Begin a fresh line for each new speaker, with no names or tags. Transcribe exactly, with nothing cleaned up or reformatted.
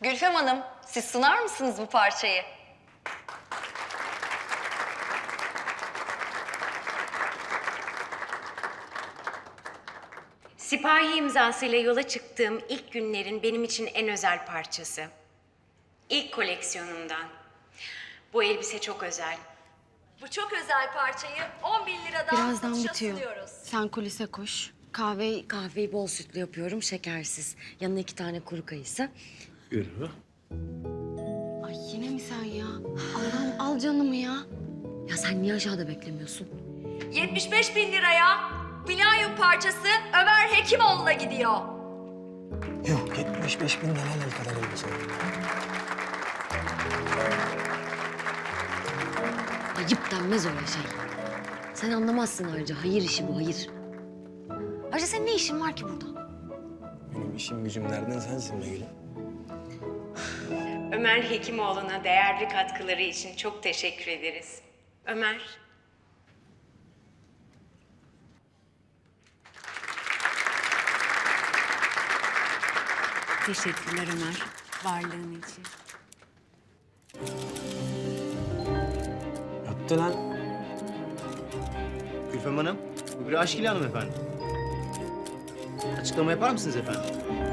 Gülfem Hanım, siz sunar mısınız bu parçayı?
Sipahi imzasıyla yola çıktığım ilk günlerin benim için en özel parçası. İlk koleksiyonumdan. Bu elbise çok özel.
Bu çok özel parçayı on bin liradan
Birazdan
satışa
bitiyor.
sunuyoruz.
Sen kulise koş. Kahve
Kahveyi bol sütlü yapıyorum, şekersiz. Yanına iki tane kuru kayısı.
Yürü.
Ay yine mi sen ya? Allah'ım al canımı ya.
Ya sen niye aşağıda beklemiyorsun?
yetmiş beş bin liraya Milenyum parçası Ömer Hekimoğlu'na gidiyor.
Yok, yetmiş beş bin lira el kadar elbise.
Ayıp denmez öyle şey. Sen anlamazsın ayrıca. Hayır işi bu, hayır. Ayrıca senin ne işin var ki burada?
Benim işim gücüm nereden sensin be gülüm?
Ömer Hekimoğlu'na değerli katkıları için çok teşekkür ederiz. Ömer.
Teşekkürler Ömer, varlığın için.
Öptü lan.
Gülfem Hanım, bu bir aşk ilanı mı efendim? Açıklama yapar mısınız efendim?